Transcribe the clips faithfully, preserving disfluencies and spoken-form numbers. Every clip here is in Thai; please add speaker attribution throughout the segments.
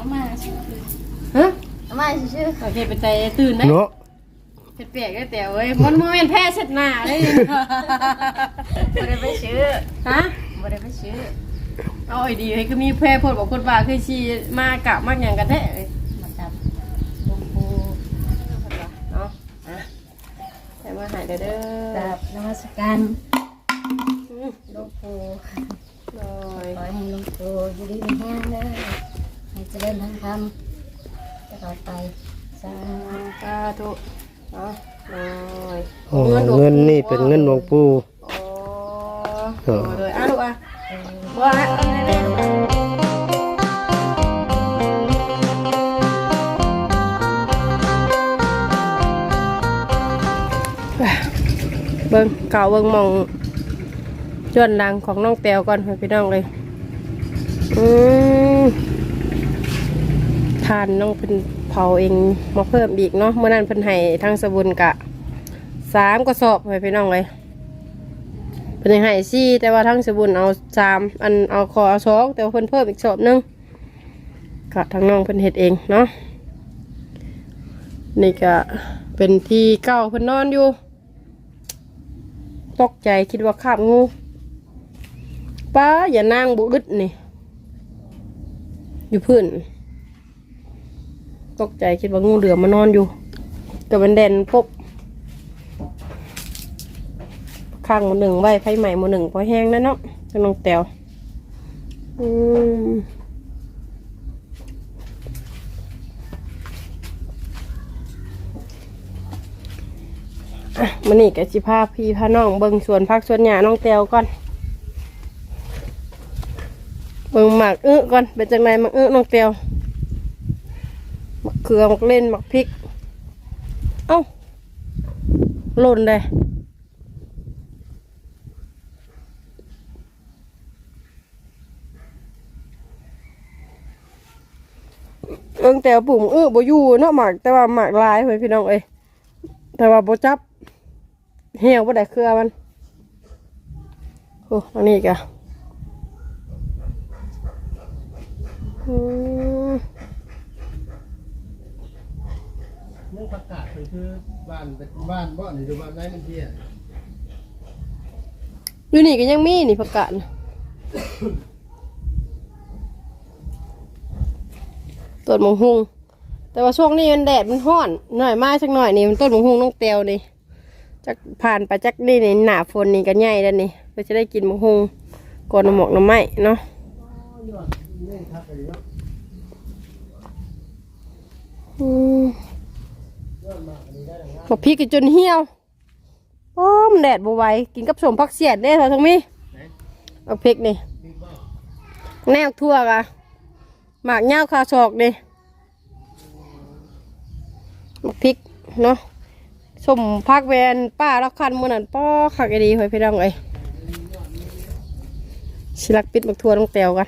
Speaker 1: มาชื่อ
Speaker 2: ฮะ
Speaker 1: มาชื่อ
Speaker 2: โอเคเป็นใจตื่นได้
Speaker 3: เนาะ
Speaker 2: เปียกได้แต่เว้ยมันโมเมนต์แพ้เสร็จหน้าเลย
Speaker 1: บ่ได้ไปชื่อ
Speaker 2: ฮะ
Speaker 1: บ่ได้ไปชื่อ
Speaker 2: เอาไอ้ดีให้ก็มีแพ้พดบอกคนว่าคือชีมากะมากอย่างกันแท้เลย
Speaker 1: มาจับหลวงปู่
Speaker 2: เนาะแต่มาหายเด้อเด้อ
Speaker 1: จับนมัสการหลวงปู่
Speaker 2: ลอย
Speaker 1: ขอให้หลวงปู่อยู่ดีมีแห้งเด้อให้เจริญทางธรรมตลอดไปสา
Speaker 2: สาธุเนาะลอย
Speaker 3: โอ้เงินนี่เป็นเงินหลวงปู่
Speaker 2: โอ้เลยอ่ะลูกอ่ะว่าเบิ้งเก่าเบิ้งมองจวนดังของน้องแตวก่อนพี่น้องเลยอืมทานน้องเป็นเผาเองมาเพิ่มอีกเนาะเมื่อนั้นเพิ่นให้ทางสบุญกะสามกระสอบพี่น้องเลยเพิ่นให้สี่แต่ว่าทางสบุญเอาสามอันเอาคอเอาสองแต่ว่าเพิ่นเพิ่มอีกสอบนึงกะทางน้องเพิ่นเฮ็ดเองเนาะนี่ก็เป็นที่เก้าเพิ่นนอนอยู่ตกใจคิดว่าคาบงูป้าอย่านั่งบุดึดนี่อยู่พื้นตกใจคิดว่างูเหลือมมานอนอยู่กับเป็นแดนปุ๊บข้างหมดหนึ่งใบไฟใหม่หมดหนึ่งพอแห้งแล้วเนาะจะลงแตวอืมอ่ะมันนี่กับจิพาพี่พาน้องเบิ่งสวนพักสวนหญ้าน้องแตวก่อนเบิ่งหมักอื้อก่อนเป็นจังไรหมักอื้อน้องแตวหมักเขือหมักเล่นหมักพริกเอ้าหล่นเลยเอิงแตวปุ่มอื้อบ่อยู่เนาะหมักแต่ว่าหมักลายเพื่อนพี่น้องเอ้ยแต่ว่าบ่จับเหี่ยวบ่ได้เครือมันโอ้อันนี้กะอืม
Speaker 3: เรื่องประกาศคือบ้านเป็นบ้านบ่นี่หรือบ้านไหนมันเที่ย
Speaker 2: อยู่นี่ก็ยังมีนี่ประกาศนะต้นมะฮุงแต่ว่าช่วงนี้มันแดดมันร้อนหน่อยมากสักหน่อยนี่มันต้นมะฮุงน้องเตียวนี่จักผ่านไปจักนี่นี่หนาฝนนี่ก็ใหญ่แล้วนี่เราจะได้กินมะฮุงก่อนน้ำหมอกน้ำไหม้เนาะอืมพอพี่กินจนเหี่ยวโอ้มแดดบวไหวกินกับสมพักเสียดได้เถอะทั้งมีเอาพริกนี่แนวทั่วกะหมากเง่าคาศอกนี่หมากพริกเนาะสมพักแวนป้าลักคันมือนั่นป้อขักไอดีหอยพี่น้องเลยชิลักปิดหมากทั่วต้องเตียวกัน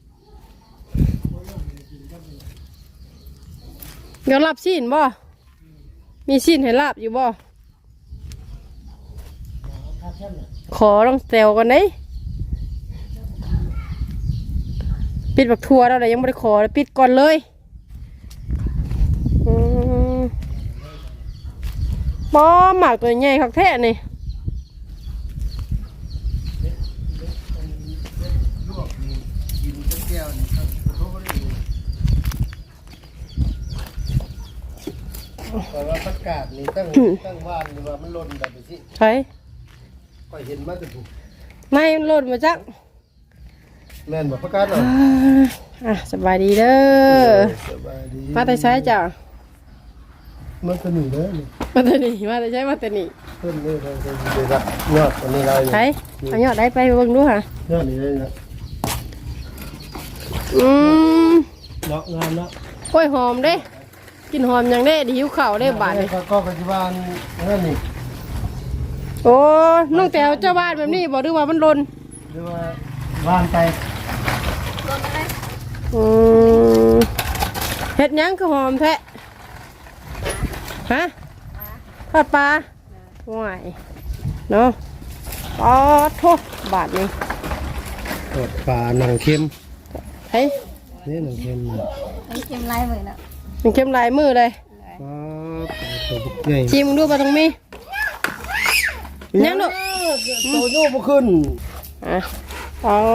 Speaker 2: เดี๋ยวรับซีนบ่มีซีนให้ลาบอยู่บ่ขอต้องเซลกันได้ปิดบักทัวแล้วเลยยังไม่ได้ขอปิดก่อนเลยป้อหมากตัวใหญ่คักแท้นี่
Speaker 3: แต่ว่าประกาศนี่ตั้งตั้งบ้านหรือว่ามันล่นแบบนี้สิ
Speaker 2: ใช่
Speaker 3: ก็เห็นมาแต่ถูก
Speaker 2: ไม่มันหล่นมาจัก
Speaker 3: แม่นบอกประกาศหรอ
Speaker 2: อ่ะสบายดีเด้อสบายดีมาแต่ใช้จ้ะ
Speaker 3: มาแต่หนีเลย
Speaker 2: มาแต่หนีมาแต่ใช้มาแต่หนี
Speaker 3: เพิ่นเลยเราจะได้รับยอดอันนี้ได้
Speaker 2: ใช่เอายอดได้ไปเบิ่งดูค่ะ
Speaker 3: ยอดนี้ได้นะ
Speaker 2: อืม
Speaker 3: เนาะงามเนาะ
Speaker 2: กล้วยหอมเด้กินหอมอย่างเด้ดิหิวข้าวได้บาดเลย
Speaker 3: ก็ปัจจุบันนั่นนี่
Speaker 2: โอ้น้องแต๋วเจ้าบ้านแบบนี้บอกด้วยว่ามันลน
Speaker 3: หรือว่าบ้านไป
Speaker 2: อืมเห็ดยังคือหอมแท้ฮะทอดปลาว่ายเนาะอ๋อโทษบาทนี่
Speaker 3: ทอดปลาหนังเค็ม
Speaker 2: เฮ้ย
Speaker 3: นี่หนึ่งเค็ม
Speaker 1: ไอ้เค็มลายเหมือนเนาะ
Speaker 2: มันเข้มลายมือเลย
Speaker 3: อ๋อตัวบุกใหญ่
Speaker 2: ชิมดูปลาตรงมียังลูก
Speaker 3: ตัวโยกบ่ขึ้น
Speaker 2: อ่ะอ๋อ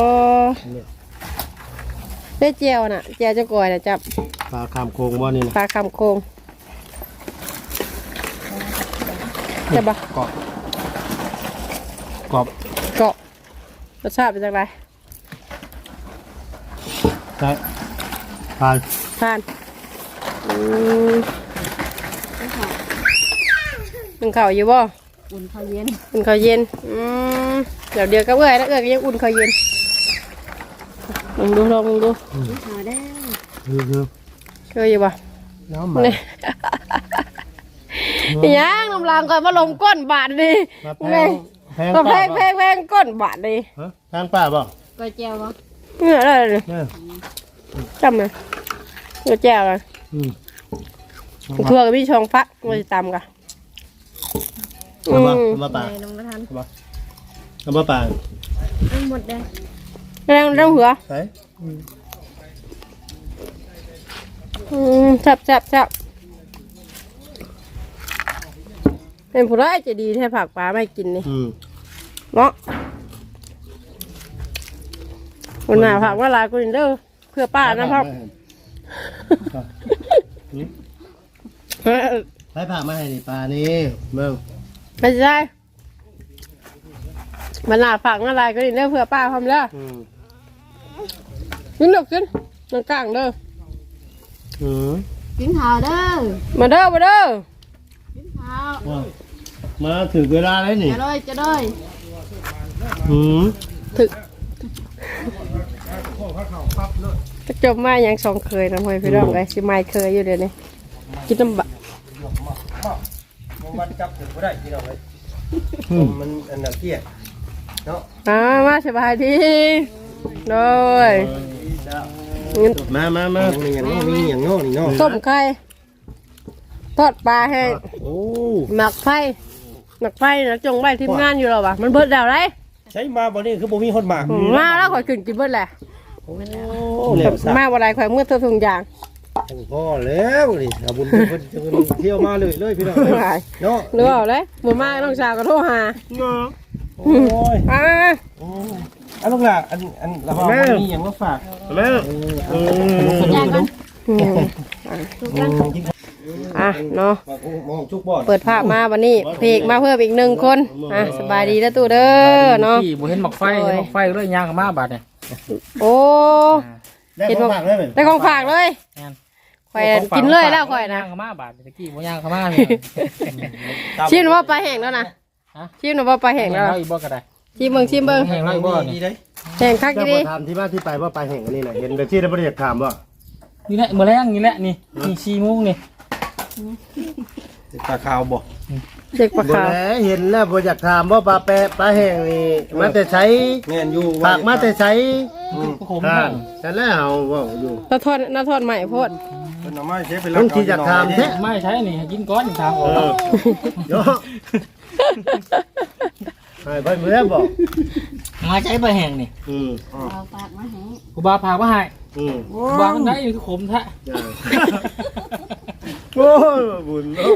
Speaker 2: ได้เจียวน่ะเจียวจะกอยน่ะจับ
Speaker 3: ปลาคามโคงบ่นี่นะ
Speaker 2: ปลาคำโคงจับปะ
Speaker 3: กรอบกรอบ
Speaker 2: เกาะรสชาติเป็นยังไง
Speaker 3: ใช่ปลา
Speaker 2: ทานอืมมันเข่าอยู่บ่
Speaker 1: อุ่นข้าวเย็น
Speaker 2: อุ่นข้าวเย็นอืมเดี๋ยวเดียวก็เอื้อยแล้วเอื้อยก็ยังอุ่นข้าวเย็นลองดูลองดู
Speaker 1: หาได้
Speaker 3: คือคือ
Speaker 2: เคยอยู่บ่
Speaker 3: น้ำมัน
Speaker 2: นี่ยังน้ำลางก่อนมาลงก้นบาทดิ
Speaker 3: มาแพ
Speaker 2: แม่
Speaker 3: งแพง
Speaker 2: มาแพ
Speaker 3: ป่าง
Speaker 2: แพงแพงก้นบาทดิ
Speaker 3: ฮะแพงป่าบ่
Speaker 1: ก๋วยเจียวบ่
Speaker 2: เนี่ยอะไรเลย
Speaker 3: เนี่ย
Speaker 2: จำเลยเนื้อแจ่วเลย
Speaker 3: อืม
Speaker 2: ทั่วกับพี่ชองพักมาตำกัน
Speaker 3: เอามาเอามาป่า
Speaker 1: ในลงมาทัน
Speaker 3: เอามาป่า
Speaker 1: เอาหมดได้
Speaker 2: แรงแรงหัว
Speaker 3: ใส่
Speaker 2: อืมแซ่บแซ่บแซ่บเป็นผู้ร้ายจะดีแท้ผักปลาไม่กินนี่
Speaker 3: อืม
Speaker 2: เนาะวันหน้าผักว่าลายกูอินเด้อเพื่อป้านะครับ
Speaker 3: ให้ผ่ามาให้นี่ปลานี่เบิ่ง
Speaker 2: ไม่ใช่วันหน้าผักว่าลายกูอินเด้อเพื่อป้าทำแล้ว
Speaker 3: อืม
Speaker 2: กินหนกกินนังกลางเด้อ
Speaker 3: อืม
Speaker 1: กินข้าวเด้อ
Speaker 2: มาเด้อมาเด้อ
Speaker 1: กินข้าว
Speaker 3: ว่ามาถึงเวลาแล้วนี่
Speaker 1: จะได้จะได้
Speaker 3: อืม
Speaker 2: ถึกก็จบมาอย่างสองเคยนะพ่อพี่น้องไอ้สิไม่เคยอยู่เดี๋ยวนี้กินน้ำบะ
Speaker 4: มันจับถึงก็ได้พี่น้องเลยมันอันนั้นเกี้ยเนาะ
Speaker 2: อ่ามาสบายดีโดย
Speaker 3: มามามา
Speaker 4: มีอย่างนี้มีอย่างโน่นนี่เนาะ
Speaker 2: ต้มไข่ทอดปลาแห้ง
Speaker 3: โอ้
Speaker 2: หมักไฟหมักไฟนะจงไว้ทีมงานอยู่หรอวะมันเบิดแล้วไร
Speaker 4: ใช้มาบ่นี่คือบ่มีคนหมาก
Speaker 2: มาแล้วข่อยกินกินเบิดแหละ
Speaker 4: โอ้เนี่ยสัก
Speaker 2: มาวันไรข่อยเมื่อตัวทุงยาง
Speaker 4: พ่อแล้วนี่อาบุญเพิ่นจะเที่ยวมาเลยเลยพี่น้องเนาะ
Speaker 2: หรือเปล่าเลยหมู่มาน้องสาวก็โทรหา
Speaker 4: โอ้ย
Speaker 2: อ่า
Speaker 4: อันลูกล่ะอันอันละบ่มีอย่างมาฝาก
Speaker 3: แม่
Speaker 4: เออ
Speaker 1: ย่างกัน
Speaker 2: อืมอ่ะเนาะ
Speaker 4: มองจุกบ่อน
Speaker 2: เปิดภาพมาวันนี้เพกมาเพิ่มอีกหนึ่งคนอ่ะสบายดีแล้วตู่เด้อเนาะ
Speaker 5: ที่บ่เห็นหมอกไฟเห็นหมอกไฟเลยย่างเข้ามาบาดเนี่ย
Speaker 2: โอ้
Speaker 3: ได้ของฝากได้ไหม
Speaker 2: ได้ของฝากเลยข่อยกินเลยแล้วข่อยนะ
Speaker 5: ย่างเข้ามาบาดตะกี้บ่ย่างเข้ามาเนี่ย
Speaker 2: ชิมว่าปลาแห้งแล้วนะชิมว่าปลาแห้งแล้ว
Speaker 5: เราอีกบ่ก็ได้
Speaker 2: ชิมเบิ่งชิมเบิ่ง
Speaker 5: แห้งเราอีกบ่
Speaker 4: ดี
Speaker 5: นี่
Speaker 4: เด้
Speaker 2: แห้งคัก
Speaker 3: เจ้า
Speaker 2: ดี
Speaker 3: ประธานที่มาที่ไปว่าไปแห่งอันนี้น่ะเห็นแต่ที่ได้บริจาคถามว่า
Speaker 5: นี่แหละมื้อแรงนี่แหละนี่นี่สี่โมงนี่
Speaker 4: ปลาขาวบ่
Speaker 2: เด็กปลา
Speaker 3: บ่
Speaker 2: ขาว
Speaker 3: แลเห็นแล้วบริจาคถามว่าปลาแปะปลาแห่งนี่มาแต่ใช้
Speaker 4: แม่นอยู่
Speaker 3: ฝากมาแต่ใช้
Speaker 5: ก็คม
Speaker 3: อ่า
Speaker 5: แห้ง
Speaker 3: แต่แล้วเอาว่าอยู่
Speaker 2: น้าทอดน้าทอดใหม่โพด
Speaker 4: เพิ่นเอามาใช้เป็น
Speaker 3: ต้องที่จะถามแท้
Speaker 5: ไม่ใช่นี่ให้กินก้อนนี่ทางอ
Speaker 3: เอ
Speaker 5: อก
Speaker 3: อโยให้ไปเมื่อบอก
Speaker 5: มาใช้ปลาแห้งนี่
Speaker 3: อืม
Speaker 1: เอาปากมาให้
Speaker 5: กูบาพามาให้
Speaker 3: อืม
Speaker 5: กูบามันได้นี่คือขมแท้
Speaker 3: โอ้ยบุญเนาะ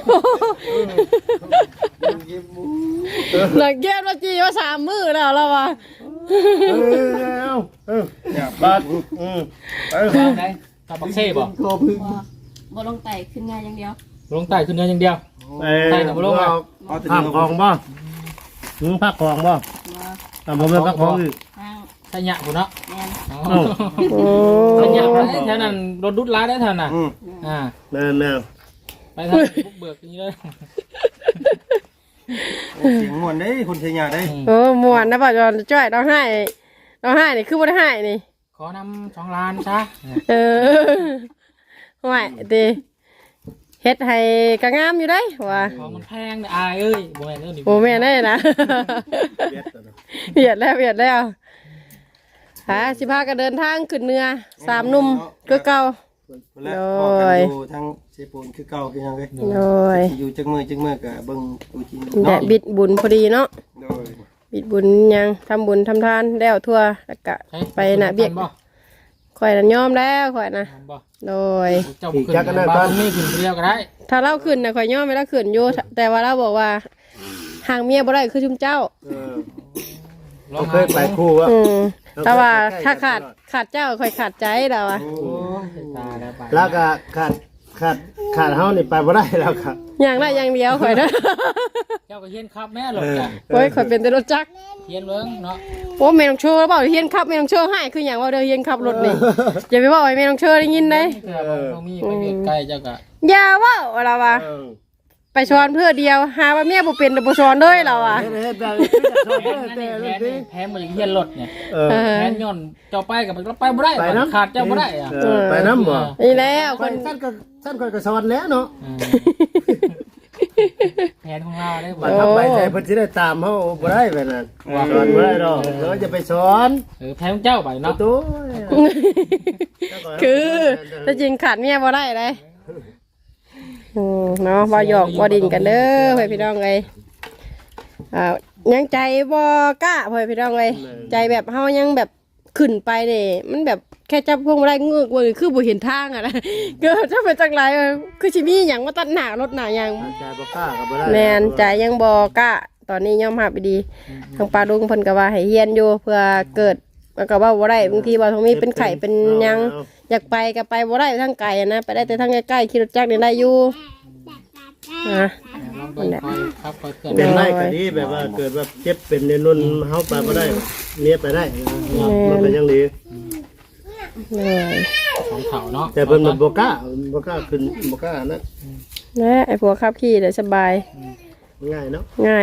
Speaker 2: หลังเกมว่าจีว่าสามมือแล้วแล้ววะ
Speaker 3: เออเอาเออเนี่ยบาดอืมไป
Speaker 5: บาได้ตาบักเซ่บ่
Speaker 4: คอพึ่ง
Speaker 1: บ่บ่ลงไต่ขึ้นง่ายอย่างเดียว
Speaker 5: ลงใต้ขึ้นเนื้ออย่างเดียว
Speaker 3: ไป
Speaker 5: ใส่หนังบ่ลงอ่ะ
Speaker 4: เอาแต่
Speaker 3: ผัก
Speaker 4: เนื้อ
Speaker 3: ของบ่มึงผักของบ่
Speaker 1: บ่
Speaker 3: อ่ะผมเป็นผักของอีก
Speaker 1: ทาง
Speaker 5: ใส่หยะพุ่นเนาะ
Speaker 1: แม่น
Speaker 2: โอ้
Speaker 5: ใส่หยะได้แถวนั้นรถดุดร้ายได้แถวนั้น
Speaker 4: อืม
Speaker 5: อ่า
Speaker 3: แม่แม่
Speaker 5: ไปทางบุกเบิกอย่างนี้เลย
Speaker 4: เสียงม่วนได้คนเชียงได้
Speaker 2: โอ้มวนนะป่ะจอนจ้อยเราให้เราให้นี่คือบ่ได้ให้นี่
Speaker 5: ขอนำสองล้านซะ
Speaker 2: เออห่วยดีเฮ็ดให้กระงามอยู่ได้ว่า
Speaker 5: ของมันแพงเนี่ยอายเอ้ยโมแมนเอ้ยนี่
Speaker 2: โอ้แม่ได้นะ เบียดแล้วเบียดแล้วหาสิพากันเดินทางขึ้นเหนือสามหนุ่มก็เก่า
Speaker 4: แล้วออกกันอยู่ทางเชฟปูนคือเก่าคือยังไง
Speaker 2: โดย
Speaker 4: อยู่จักมือจักมือกับเบิ่งดูจริง
Speaker 2: แดดบิดบุญพอดีเนาะ
Speaker 4: โดย
Speaker 2: บิดบุญยังทำบุญทำทานแล้วทั่วแล้วก็ไปน่ะเบียก
Speaker 5: บ่
Speaker 2: ข่อยน่ะยอมแล้วข่อยน่ะ
Speaker 5: บ่
Speaker 2: โดย
Speaker 5: เจ้าบ่ขึ้นบ้านนี่ขึ้นเรียวก็ได้
Speaker 2: ถ้าเราขึ้นน่ะข่อยยอมไม่ละขึ้นอยู่แต่ว่าเราบอกว่าห่างเมียบ่ได้คือชุมเจ้า
Speaker 3: เออเราเคยไปคู่วะ
Speaker 2: อืมแต่ว่าถ้าขาดขาดเจ้าข่อยขาดใจแล้วอ่ะ
Speaker 5: โอ้ยตายแล้วไป
Speaker 3: แล้วก็ขาดขาดขาดเฮานี่ไปบ่ได้แล้วครับ
Speaker 2: อย่างได้อย่างเดียวข่อยนะ
Speaker 5: เจ้าก็เฮียนครับแม่หรอกจ้ะ
Speaker 2: โอ้ยข่อยเป็นแต่รถจักร
Speaker 5: เฮียนเบิ่งเนาะ
Speaker 2: โอ้แม่น้องโชว์แล้วบอกเฮียนขับแม่น้องโชว์ให้คืออย่างว่าเดินเฮียนขับรถนี่อย่าไปบอกให้แม่น้องโชว์ได้ยินได้
Speaker 5: เพื่อบ่มีไปเวียดใกล้เจ้าก็
Speaker 2: อย่าว่าเราว่า
Speaker 3: เออ
Speaker 2: ไปสอนเพื่อเดียวหาว่าเมียบ่เป็นแต่บ่สอนเลยเราอ่ะ
Speaker 3: เฮ็ดเฮ็ดแบบนี้จะชอบ
Speaker 5: แพ
Speaker 3: เด้
Speaker 5: น
Speaker 3: อ
Speaker 5: นั่น
Speaker 3: แต่
Speaker 5: นี่
Speaker 3: ร
Speaker 5: แพ
Speaker 3: ถ
Speaker 5: น
Speaker 3: นี้
Speaker 5: นี่แพนบ่อย่างเฮียนรถเนี่ย
Speaker 3: เออ
Speaker 5: แพนย้อนเจ้าไปกับมันไปบ่ได้
Speaker 3: ไปน้ำ
Speaker 5: ขาดเจ้าบ่ได้อ่ะ
Speaker 3: เออไปน้ำบ่
Speaker 2: นี่แล้ว
Speaker 3: ค
Speaker 2: คน
Speaker 3: นท่านก็ท่านคอยก็สอนแล้วเนาะ
Speaker 5: เออแพนของเราได้บ่
Speaker 3: บัดทับไปใจเพิ่นสิได้ตามเฮาบ่ได้แบบนั้นสอนบ่ได้ดอกเราจะไปสอน
Speaker 5: เออแพนของเจ้าไป
Speaker 3: โอ้
Speaker 5: เนาะ
Speaker 3: โต
Speaker 2: คือถ้าจริงขาดเมียบ่ได้เลยอืมเนาะบ่หยอกบ่ดินกันเด้อเพื่อนพี่น้องเอ้ยอ่ายังใจบ่กล้าเพื่อนพี่น้องเอ้ยใจแบบเฮายังแบบขึ้นไปนี่มันแบบแค่จับพวงมาลัยเงือกว่าคือบ่เห็นทางอ่ะนะเกิดจะเป็นจังไรเออคือสิมีหยังมาตัดหน้ารถหน้าหยัง
Speaker 3: ใจบ่กล้าก็บ่ได้
Speaker 2: แม่นใจยังบ่กล้าตอนนี้ยอมรับไปดีทางปลาดุงเพิ่นก็ว่าให้เฮียนอยู่เพื่อเกิดแล้วก็ว่าบ่ได้บางทีว่าตรงนี้เป็นไข้เป็นหยังอยากไปก็ไปบ่ได้ทางไกลอะนะไปได้แต่ทางใกล้ๆขี่รถจักรนี่ได้อยู่นะ
Speaker 5: ลองเบิ่งคอยครับคอยเคลื่อน
Speaker 3: เป็นได้ก็ดีแบบว่าเกิดว่าเจ็บเป็นในนุ่นเฮาไปบ่ได้เมียไปได้มันก็ยังดี
Speaker 2: เลย
Speaker 5: ของเขาเนาะ
Speaker 3: แต่เพิ่นมันบ่กล้าบ่กล้าขึ้นบ่กล้านะ
Speaker 2: นะไอ้พวกขับขี่ได้สบาย
Speaker 3: ง่ายเนาะ
Speaker 2: ง่าย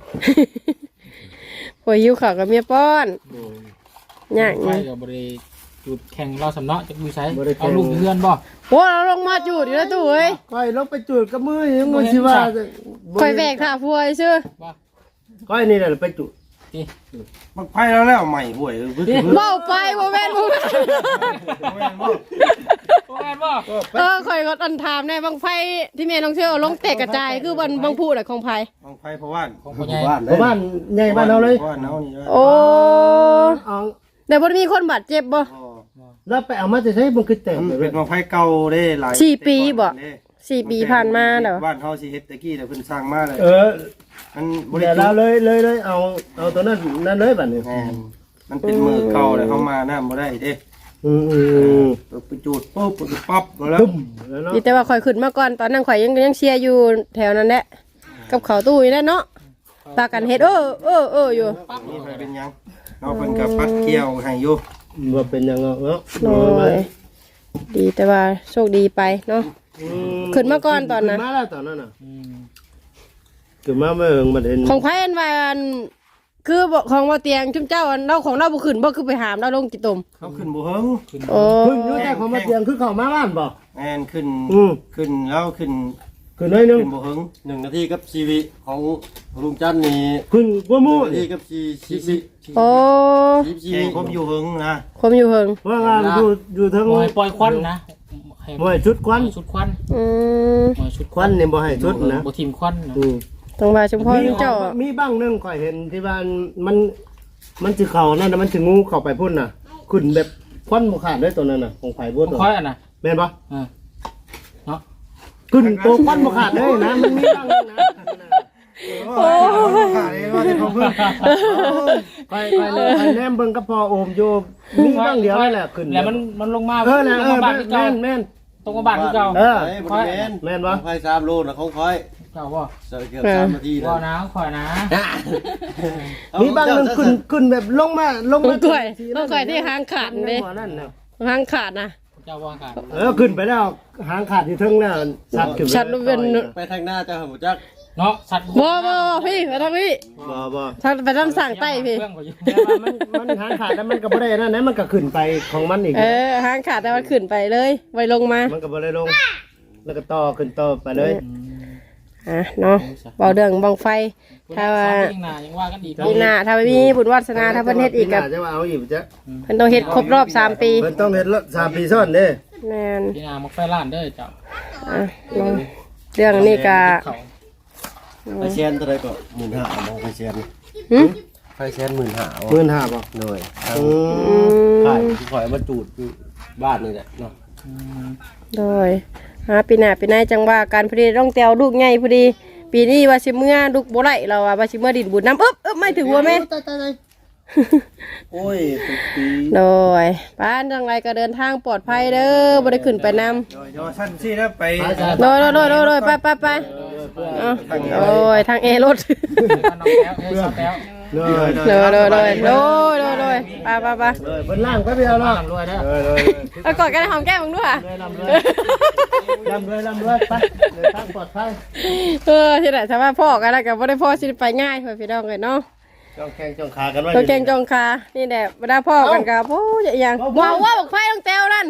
Speaker 2: พอหิวข้าวกับเมียป้อนยาก
Speaker 5: ไป
Speaker 2: นี่
Speaker 5: กับบริจุดแข่งเราสำเนาะจะดูใช้เอาลูกเพื่อนบ่
Speaker 2: โอ้เราลงมาจูดอยู่แล้วตู้เอ้ย
Speaker 3: ก้อยลงไปจุดกับมือยังงูสิว่า
Speaker 2: คอยแบกท่าพวยชื่อ
Speaker 5: บ่
Speaker 3: ก้อยนี่แหละไปจุด
Speaker 5: ที่
Speaker 4: มันไผแล้วแล้วใหม่ห่วยเพิ่น
Speaker 2: เบ้าไปโมแมนโมแมน
Speaker 5: โอ้ยบ่
Speaker 2: เออคอยก็อันถามในบางไฟที่เมียน้องเชื่อลงแตกกระจายคือบางบางพูดอะของไผ่
Speaker 4: ของไผเพราะว่า
Speaker 5: ของพ่อใหญ่
Speaker 3: เพราะบ้านใหญ่บ้านเราเลย
Speaker 4: บ้านเฮานี่
Speaker 2: โอ้
Speaker 3: เอา
Speaker 2: แต่บ่มีคนบาดเจ็บบ่
Speaker 3: แล้วไปเอามาจะใช้มันคือแต่
Speaker 4: มันเป็นของไผเก่าเด้หลาย
Speaker 2: สี่ปีบ่สี่ปีผ่านมาเด้อ
Speaker 4: บ้านเฮาสิเฮ็ดตะกี้แต่เพิ่นสร้างมาเลย
Speaker 3: เออ
Speaker 4: มันบริ
Speaker 3: เดี๋ยว
Speaker 4: จุ
Speaker 3: เราเลยเลยเลยเอาเอาตัวนั้นนั่นเลยบัดนี้
Speaker 4: แม่นมันเป็นมือเก่าเลยเขามาน้ำบ่ได้เด้
Speaker 3: อืมอืม
Speaker 4: ไปจูดปุ๊บปั๊บแล้ว
Speaker 3: ตึ้มแล้วเนาะ
Speaker 2: ดีแต่ว่าคอยขึ้นมาก่อนตอนนั้นข่อยยังยังเชียร์อยู่แถวนั้นแหละกับเขาตู้นี่แหละเนาะปากันเฮ็ดเออเออเอออยู่
Speaker 4: นี่เป็นยังเราเป็นกับปัดเกี่ยวให้อยู่
Speaker 3: ว่าเป็นยังไงเนาะ
Speaker 2: โอ้ยดีแต่ว่าโชคดีไปเนาะ ขึ้นมาก่อนตอนนั้น
Speaker 3: ขึ้มาแล้วตอนนั้นน่ะ
Speaker 5: อืม
Speaker 3: ขึ้นมาเมื่อมันเห็น
Speaker 2: ของไผ่อันว่าอันคือบอกของว่าเตียงชุมเจ้าอันเราของเราบุขึ้นบ่คือไปหามเราลงจิตตม
Speaker 4: เขาขึ้นบ่เฮิง
Speaker 2: โอ้
Speaker 3: ขึ้นอยู่แต่ของมาเตียงคือเข้ามาบ้านบ่
Speaker 4: แม่นขึ้น
Speaker 3: อืม
Speaker 4: ขึ้นแล้วขึ้น
Speaker 3: ขึ้นหน้อยหนึง
Speaker 4: ขึ้นบ่เฮิงหนึ่งนาทีกับชีวิตของลุงจันนี่
Speaker 3: ขึ้นกว่าหมู่
Speaker 4: นาทีกับชีชีวิต
Speaker 2: โอ้
Speaker 4: ชีวิตผมอยู่เฮิงนะ
Speaker 2: ผมอยู่เฮิง
Speaker 3: ว่างานอยู่อยู่ทั้ง
Speaker 5: ปล่อยปล่อยควันนะให้
Speaker 3: บ่ให้ชุดควัน
Speaker 5: ชุดควัน
Speaker 2: อืม
Speaker 5: ปล่อยชุด
Speaker 3: ควันนี่บ่ให้ชุดนะ
Speaker 5: บ่ทิมควันนะ
Speaker 3: อืม
Speaker 2: ตรงว่าชุมพรเจ้า
Speaker 3: มีบ้างหนึงข่อยเห็นที่บ้านมันมันสิเข้านั่นน่ะมันสิงูเข้าไปพุ่นน่ะขึ้นแบบควันบ่ขาดเลยตัวนั้นน่ะของไผบ่
Speaker 5: บ่
Speaker 3: ตัว
Speaker 5: ค่อยอ่ะนะ
Speaker 3: แม่นบ่
Speaker 5: เออเนาะ
Speaker 3: ขึ้นตัวควันบ่ขาดเลยนะมันมีบ้างหนึงนะ
Speaker 4: โอ้ยขาดเลยว่าจะเขาเพิ่ง
Speaker 3: ไปไปเลยไปแนมเบิ่งกับพ่อโอมอยู่มีบ้างเดียวนั่นแหละขึ้น
Speaker 5: แล้วมันมันลงมา
Speaker 3: เออนะเอ
Speaker 5: ตรง
Speaker 3: อ
Speaker 5: มาบ้านที่เก่า
Speaker 3: แม่นแม่น
Speaker 5: ตรงมาบ้านที่เก่า
Speaker 3: เออ
Speaker 4: ไอ้บริเวณ
Speaker 3: แม่นบ่
Speaker 4: ไฟสามโลนะของคอย
Speaker 5: เจ้าบ่
Speaker 4: จะเกือบสามนาที
Speaker 5: บ่
Speaker 4: นะ
Speaker 5: นะคอยนะ
Speaker 3: มีบ้างหนึงขึ้นขึ้นแบบลงมาลง
Speaker 2: ต้
Speaker 3: มา
Speaker 2: องกล้วยต้องกล้วยที่หางขาดเด้
Speaker 3: นั่นน่ะ
Speaker 2: หางขาดนะ
Speaker 5: เจ้าว่ากัน
Speaker 3: เออขึ้นไปแล้วหางขาดอยู่เทึงน่ะสัตว์ขึ้นไป
Speaker 2: ชัดรูปเป็น
Speaker 4: ไปทางหน้าเจ้าหัวจัก
Speaker 5: เนาะสัตว์
Speaker 2: บ่บ่พี่ไปทางพี่
Speaker 3: บ่บ่
Speaker 2: ทางไปทางสั่งใต้พี่
Speaker 5: เรื่องบ่อยู่
Speaker 3: แต่ว่ามันมันหางขาดแล้วมันก็บ่ได้นั่นนะมันก็ขึ้นไปของมันอีก
Speaker 2: เออหางขาดแต่ว่าขึ้นไปเลยไว้ลงมา
Speaker 3: มันก็บ่ได้ลง แล้วก็ต่อขึ้นต่อไปเลย
Speaker 2: อ่ะเนาะเบาเรื่องบังไฟ ถ้าว่า
Speaker 5: ยังหน้ายังว่ากันอีก
Speaker 2: ปีหน้าถ้าไม่มีบุญวาสนาถ้าเพิ่นเฮ็ดอีกกับ
Speaker 3: จะว่าเอาอีกจ้ะ
Speaker 2: เพิ่นต้องเฮ็ดครบรอบสามปี
Speaker 3: เพิ่นต้องเฮ็ดละสามปีซ้อนเด้
Speaker 2: แม่น
Speaker 5: พี่นามักไฟล้านเด้อเจ้า
Speaker 2: อ่ะเนาะเรื่องนี้ก็
Speaker 5: เขา
Speaker 4: ไฟแชนเท่าไรก็หมื่นห้ามองไฟแชน
Speaker 2: หึ
Speaker 4: ไฟแชนหมื่นห้า
Speaker 3: หมื่นห้าบ่
Speaker 4: หน่วย
Speaker 3: อืม
Speaker 2: อืม
Speaker 4: ขายที่ขอยมาจูดอยู่บ้านนี่แหละเนาะ
Speaker 2: โดยหาปีหน้าปีหน้าจังว่าการพอดีต้องแตวลูกใหญ่พอดีปีนี้ว่าสิเมื่อลูกบ่ไหลเราว่าสิเมื่อดินบุญน้ำอึ๊บอึ๊บไม่ถึงหัวแม่
Speaker 3: โอ้ยทุกปี
Speaker 2: โดยบ้านจังไรก็เดินทางปลอดภัยเด้อบ่ได้ขึ้นไปนำ
Speaker 4: ย่อสั้นสิแล้วไป
Speaker 2: โดยโดยโดยโดยโดยไปไปไปเอาโอ้ยทางเอรถ
Speaker 5: น้องแก้วเอ้ยชอบแก้ว
Speaker 3: เลย
Speaker 2: โดยโดยโดยโดยโดยโดยไปไปไป
Speaker 3: เลยบนล่างก็เดียวเนาะ
Speaker 5: รวยเด้อ
Speaker 3: เลยเลย
Speaker 2: เอากอดกันหอมแก้มมึงด้วย
Speaker 3: เลยลำเลยลำเลยลำเลยไปเลยทางปลอดภัย
Speaker 2: เออที่ไหนถ้าว่าพ่อกันแล้วก็บ่ได้พ่อสิไปง่ายเพื่อนพี่น้องเลยเนาะ
Speaker 3: จ้องแข้งจ้องขากันไว้
Speaker 2: ตัวเก่งจองคานี่แหละเวลาพ่อกันกับโอ้ยอย่างว้าวว่าบอกไฟต้องแต้วนั่น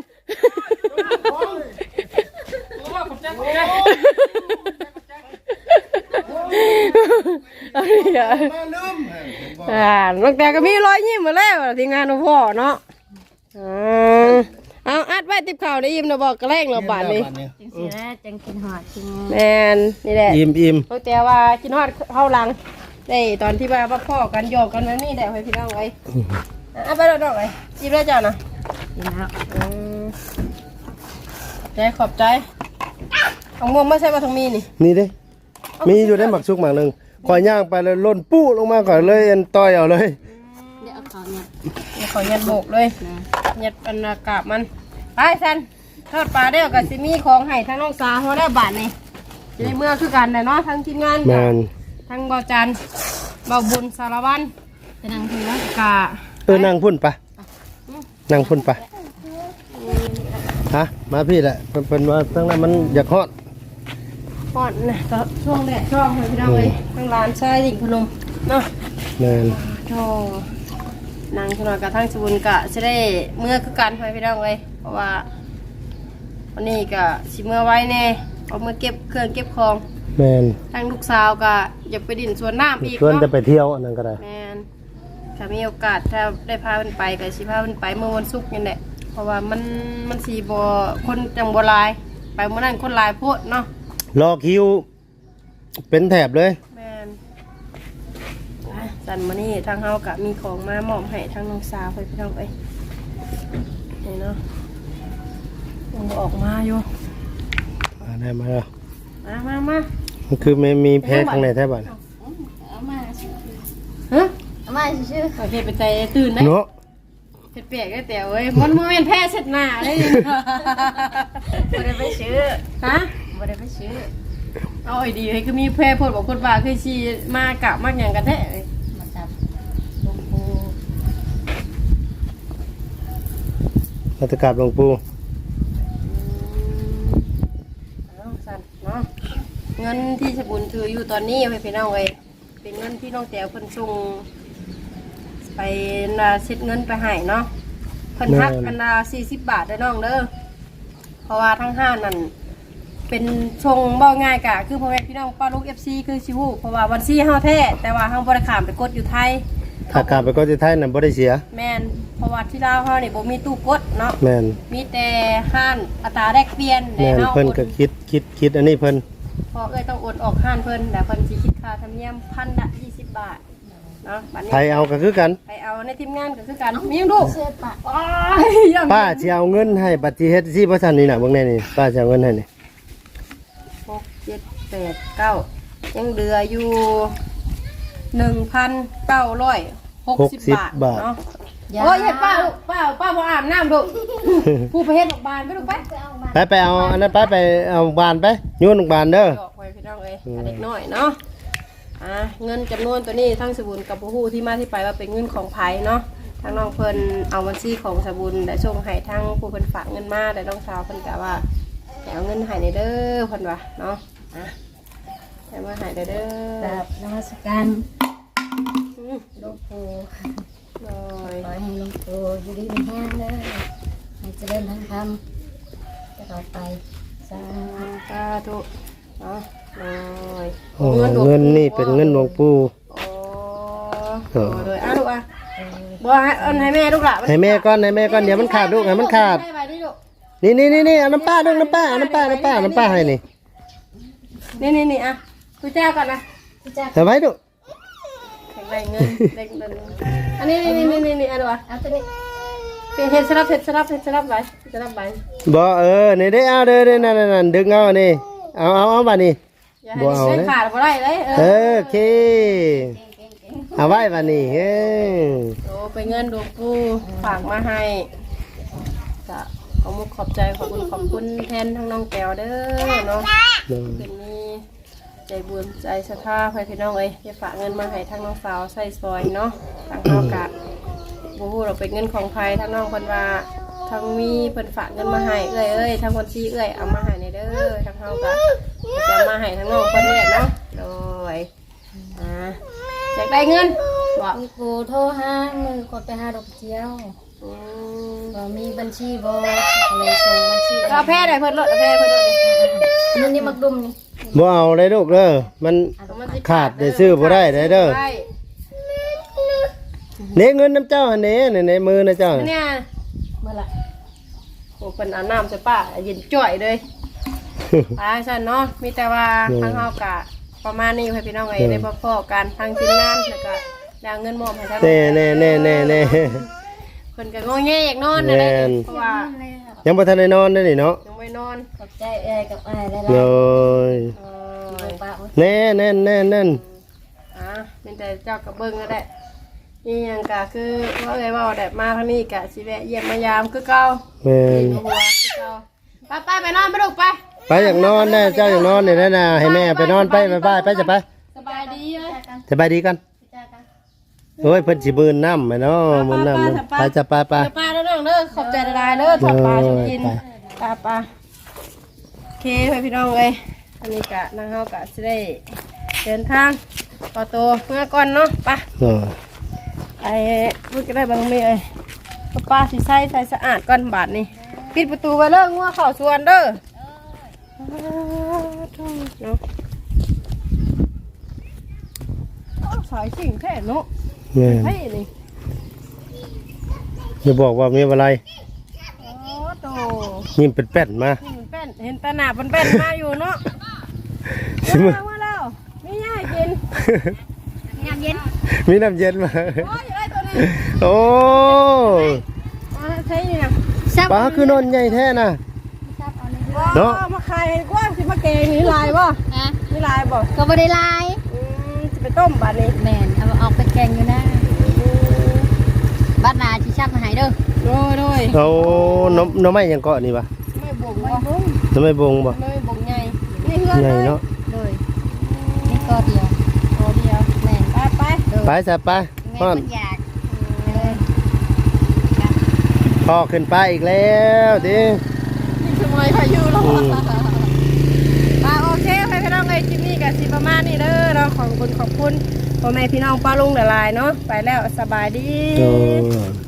Speaker 2: เอาดิอ่ะอ่าน้องแต้วก็มีรอยยิ้มมาแล้วทีมงานของพ่อเนาะอ่าเอาอัดไว้ติดข่าวได้ยิ้มนะบอกกระแรงเราบาดนี้
Speaker 1: จังสิแล้วจังกินหอดกิน
Speaker 2: แมนนี่แหละ
Speaker 3: อิ่มอิ่ม
Speaker 2: น้องแต้วว่ากินฮอดเข้าหลังได้ตอนที่ว่าพ่อกันโยกกันแบบนี้แหละให้พี่น้องไว้อ่ะไปดอกๆไว้ยิ้มได้จ้ะนะ
Speaker 1: กินแล้ว
Speaker 2: อืมใจขอบใจเอาม่วงไม่ใช่ปลาทองมีนี่
Speaker 3: นี่เด้มีอยู่ได้หมักชุกหมักหนึ่งคอยย่างไปเลยล่นปู้ลงมาก่อนเลยเอ็นต่อยเอาเลย
Speaker 1: เดี๋ยวเอาเขาเนี่ย
Speaker 2: เดี๋ยวขอยัดโบกเลยยัดอันอากาศมันไปสันทอดปลาเด้วกับซิมีของให้ทั้งน้องสาวเขาได้บาทนี่จะได้เมื่อคือกันแต่เนาะทั้งทีมงาน
Speaker 3: แม
Speaker 2: กับ
Speaker 3: น
Speaker 2: ทั้งเบาจันเบาบุญสารวัตร
Speaker 1: ไปนั่งถือว่าก
Speaker 2: ะ
Speaker 3: เออนั่งพุ่นปะนั่งพุ่นปะฮะมาพี่แหละเพิ่นเพิ่นว่าตั้งนั้นมันอยากฮอด
Speaker 2: พอดนะก็ช่วงแดดช่วงให้พี่น้องเลยทั้งร้านชายดิ่งพนมเนาะ
Speaker 3: แมน
Speaker 2: โธ่นางขนอยกับทั้งสบุนกะจะได้เมื่อคือกันให้พี่น้องเลยเพราะว่าวันนี้ก็สิเมื่อไว้แน่เอามื่อเก็บเครื่องเก็บของ
Speaker 3: แมน
Speaker 2: ทั้งลูกสาวก็อย่าไปดินสวนน้ำอีก
Speaker 3: ชวนจะ
Speaker 2: เนาะ
Speaker 3: ไปเที่ยวอันนั้นก็ได้
Speaker 2: แมนถ้ามีโอกาสถ้าได้พาเพิ่นไปก็สิพาเพิ่นไปเมื่อวันศุกร์นี่แหละเพราะว่ามันมันสีบ่คนจังบ่หลาย ไปเมื่อนั้นคนหลายโพดเนาะ
Speaker 3: รอคิวเป็นแถบเลย
Speaker 2: แมนอ่ะสันมานี่ทางเฮากะมีของมามอบให้ทางน้องสาวไปพี่น้องเอ้ยนี่เนาะยังบ่ออกมาอยู่
Speaker 3: มาได้มาแล้ว
Speaker 2: มามามา
Speaker 3: มันคือไม่มีแพ้ข้างในแทบอ่ะ
Speaker 1: เอามา
Speaker 2: ฮะ
Speaker 1: เอามาชื่อ
Speaker 2: โอเคไปใจตื่นได้
Speaker 3: เนาะ
Speaker 2: เผ็ดเปียกได้แต่เว้ยมันโมเมนแพ้เสร็จหน้าเลย
Speaker 1: บ่ได้ไปซื้อ
Speaker 2: ฮะ
Speaker 1: บ่ได้ไปซื้อ
Speaker 2: เอาไอ้ดีให้คือมีแพ้พดบอกคนว่าคือชีมากะมากอย่างกันแท้เอ้ย
Speaker 1: มาจับลงปู
Speaker 3: รัตกราบหลวงปู่
Speaker 2: เอาสั่นเนาะเงินที่สบุญถืออยู่ตอนนี้ให้พี่น้องเอ้ยเป็นเงินที่น้องแต้วเพิ่นส่งไปนาเช็ดเงินไปให้เนาะเพิ่นหักกันนาสี่สิบบาทได้อน้องเด้อเพราะว่าทั้งห้านั่นเป็นชงบ่ง่ายกะคือพ่อแม่พี่น้องป้าลูก เอฟ ซี คือชิวูเพราะว่าวันซี่เฮาแท้แต่ว่าเฮาบ่ได้ข้ามไปกดอยู่ไทย
Speaker 3: ถ้ากราบไปก็จะไทยนั่นบ่ได้เสีย
Speaker 2: แม่นเพราะว่าที่ลาวเฮานี่บ่มีตู้กดเนาะ
Speaker 3: แมน
Speaker 2: มีแต่ห้านอัตราแลกเปลี่ยน
Speaker 3: แมน
Speaker 2: เฮา
Speaker 3: เพิ่นก็คิดคิดคิดอันนี้เพิ่น
Speaker 2: พอเอ้ยต้องโอนออกห้านเพิ่นแต่เพิ่นสิคิดค่าธรรมเนียมพันละยี่สิบบาทเนาะบัดนี้
Speaker 3: ไทยเอาก็คือกัน
Speaker 2: ไปเอาในทีมงานก็คือกันมีหยังดู
Speaker 1: เสื้อปะ
Speaker 2: อ้ายยัง
Speaker 3: ป้าสิเอาเงินให้บัตรที่เฮ็ดที่บ่ทันนี่น่ะเบิ่งแน่นี่ป้าสิเอาเงินให้นี่
Speaker 2: หกเจ็ดแปดเก้ายังเหลืออยู่หนึ่งพันเก้าร้อยหกสิบบาทเนาะโอ้ยเฮ็ดป้าลูกป้าป้าบ่อาบน้ำลูก ผู้ไปเฮ็ดดอกบานไปลูกไป
Speaker 3: ไปไปเอาอันนั้นไปไปเอาบานไปโยนลงบานเด้อ
Speaker 2: ดอกไว้พี่น้องเอ้ยอันเด็กน้อยเนาะอ่ะเงินจำนวนตัวนี้ทั้งสบุญกับผู้ที่มาที่ไปว่าเป็นเงินของไผเนาะทางน้องเพิ่นเอาบัญชีของสบุญได้ส่งให้ทางผู้เพิ่นฝากเงินมาได้น้องสาวเพิ่นกะว่าให้เอาเงินให้ในเด้อเพิ่นว่าเนาะอ่ะให้มาให้ได้เด้อ
Speaker 1: แบบนมัสการ
Speaker 2: อืม
Speaker 1: หลวงปู่
Speaker 2: โดย
Speaker 1: ขอให้หลวงปู่อยู่ดีมีแห้งเด้อให้เจริญทั้งธรรมตลอดไปสา
Speaker 2: สาธุเนาะโดย
Speaker 3: โอ้เงินนี่เป็นเงินหลวงปู่
Speaker 2: โอ้โดยอ่ะลูกอ่ะบ่ให้เอาให้แม่ลูกหล่ะ
Speaker 3: ให้แม่ก่อนให้แม่ก่อนเดี๋ยวมันขาดลูกให้มันขาด
Speaker 2: ให้ไปดิลูก
Speaker 3: นี่นี่นี่นี่เอาน้ำป้าด้วยน้ำป้าเอาน้ำป้าน้ำป้าน้ำป้าให้นี่
Speaker 2: นี่นี่นี่อ่ะกูแจ้ก่อนนะ
Speaker 1: พี่จ้า
Speaker 3: เอาไว้ดู
Speaker 2: แข็งแรงเงินเด็กเดินอันนี้นี่นี่นี่นี่อ่ะดูอ่ะ
Speaker 1: เอาตัวนี้
Speaker 2: เฮ็ดสลับเฮ็ดสลับเฮ็ดสลับไว้สลับไว้
Speaker 3: บ่เออนี่ได้เอาเด้อนั่นๆๆดึงเอานี่เอาเอาเอาบัดนี้
Speaker 2: อย่าให้ได้ขาดบ่ได้เลยเอ
Speaker 3: เอ
Speaker 2: อ
Speaker 3: อโอเคเอาไว้บัดนี้เฮ้ย
Speaker 2: โอ้ไปเงินหลวงปู่ฝากมาให้ก็ขอมุกขอบใจขอบคุณขอบคุณแทนทั้งน้องแก้วเด้อเนาะเป็นนี้ใจบุญใจศรัทธาให้พี่น้องเอ้ยจะฝากเงินมาให้ทั้งน้องสาวใส่ซอยเนาะทางเฮากะบ่ฮู้เราเป็นเงินของใครทั้งน้องเพิ่นว่าทั้งมีเพิ่นฝากเงินมาให้เอ้ยเอ้ยทั้งคนชี้เอ้ยเอามาให้ในเด้อทั้งเฮากะจะมาให้ทั้งน้องเพิ่นนี่แหละเนาะโดยอ่าอยากได้เงินบ่
Speaker 1: มีกูโทรหามือกดไปหาดอกเจียว
Speaker 2: อืม
Speaker 1: บ่มีบัญชีบ่เลยส่งบัญชี
Speaker 2: เอาแพ้ได้เพิ่นลดเอาแพ้เพิ่นลด
Speaker 1: นี่นี่มักดุมนี่
Speaker 3: บ่เอาเลยลูกเด้อมันขาดได้ซื้อบ่ได้ได้เด้อเนเงินน้ำเจ้าหั่นเด้ในในมือนะเจ้า
Speaker 2: เนี่ย
Speaker 1: เมื่อไหร่
Speaker 2: โอ้เพิ่นเอาน้ำใส่ป้าเย็นจ่อยเลยไปซั่นเนาะมีแต่ว่าทางเฮากะประมาณนี้ให้พี่น้องเอ้ยได้บ่พอกันทางทีมงานแล้วก็แล้วเงินมอบให้ทาง
Speaker 3: แน่แน่แน่แน่แน่
Speaker 2: เพิ่นก็งอแงอยากนอนนั่นแหละเพราะว่า
Speaker 3: ยังบ่ทันได้นอนได้นี่เนาะ
Speaker 2: ยังไม่นอน
Speaker 1: ขอบใจเอ้ยกับอ้ายได้
Speaker 3: โด
Speaker 1: แล้ว
Speaker 3: ย
Speaker 2: เออ
Speaker 1: ปะ
Speaker 3: แน่แน่แน่แน่
Speaker 2: อ่ะเป็นแต่เจ้ากับเบิ่งก็ได้นี่หยังก็คือว่าเอ้ยเว้าได้มาทางนี้ก็สิแวะเยี่ยมมายามคือเก่า
Speaker 3: แม่น
Speaker 2: หัวคือเก่าไปไปไปนอนไปลูกไป
Speaker 3: ไปอยากนอนนะเจ้าอยากนอนนี่นะนะให้แม่ไปนอนไปไปไปไปจะไป
Speaker 2: สบายดีเอ้ย
Speaker 3: สบายดีกันโอ้ยเพิ่นสิมื่นน้ำไหมเนาะมื่นน้ำไปจะไปไป
Speaker 2: เดี๋ยวป้าเด้อเด้อเด้อขอบใจหลายๆเด้อทอดปลาสิกินปลาปลาโอเคเพื่อนพี่น้องเอ้ยอันนี้กะนางเฮากะสิได้เดินทางต่อตัวเมื่อก่อนเนาะไป
Speaker 3: เออ
Speaker 2: ไอ้พูดก็ได้บางเมย์เอ้ยป้าสิใส่ใส่สะอาดก่อนบาดนี้ปิดประตูไว้เด้องัวเข้าสวนเด้อเนาะสายสิ่งแท้เนาะ
Speaker 3: แม่น
Speaker 2: เฮ้ยนี่
Speaker 3: อย่าบอกว่ามีอะไร
Speaker 2: โอ้โต
Speaker 3: ยิ้มเป็นแป้นมา
Speaker 2: นี่มันเป็นเห็นตาหนาเป็นเป็นมาอยู่เนาะ
Speaker 3: สิมา
Speaker 2: มาแล้วไม่ง่ายกินยามเย็น
Speaker 3: มีน้ำเย็นมา
Speaker 2: โอ้ยไอ้ตัวนี้
Speaker 3: โอ้
Speaker 2: มาใช่นี่นะ
Speaker 3: ปลาคือนอนใหญ่แท้น่ะ เนาะ
Speaker 2: ว้าวมาขายกว่าสิมาเกงนี่ลายบ่
Speaker 1: ฮะ
Speaker 2: นี่ลายบ่
Speaker 1: ก็บ่ได้ลาย
Speaker 2: อืมจะไปต้มบาดนี้
Speaker 1: แม่นเอาออกไปแกงอยู่นะบ้านนาสิชับมาให้เด้อ
Speaker 2: โดยโดย
Speaker 3: เอาน้ำน้ำไม้ยังเกาะนี่ปะ
Speaker 2: ไม่บ่งบ่
Speaker 3: น้ำไม้บงบ่
Speaker 2: ไม่บ่งใหญ่นี่เฮือน
Speaker 3: ใหญ่
Speaker 2: เลย
Speaker 3: เนาะ
Speaker 1: เลยนี่ก็เดียว
Speaker 2: โอ้เดียว
Speaker 1: แม่น
Speaker 2: ไปไป
Speaker 3: ไปซะไป
Speaker 1: แม่
Speaker 3: พ่อน
Speaker 1: คนอยากเลย
Speaker 3: พ่อขึ้นไปอีกแล้วดิ
Speaker 2: นี่สมัยพายุแล้วอ่ะโอเคไปพี่น้องเอ้ยคลิปนี้ก็สิประมาณนี้เด้อเราขอบคุณขอบคุณพ่อแม่พี่น้องป้าลุงหลายๆเนาะไปแล้วสบายดี
Speaker 3: โอ้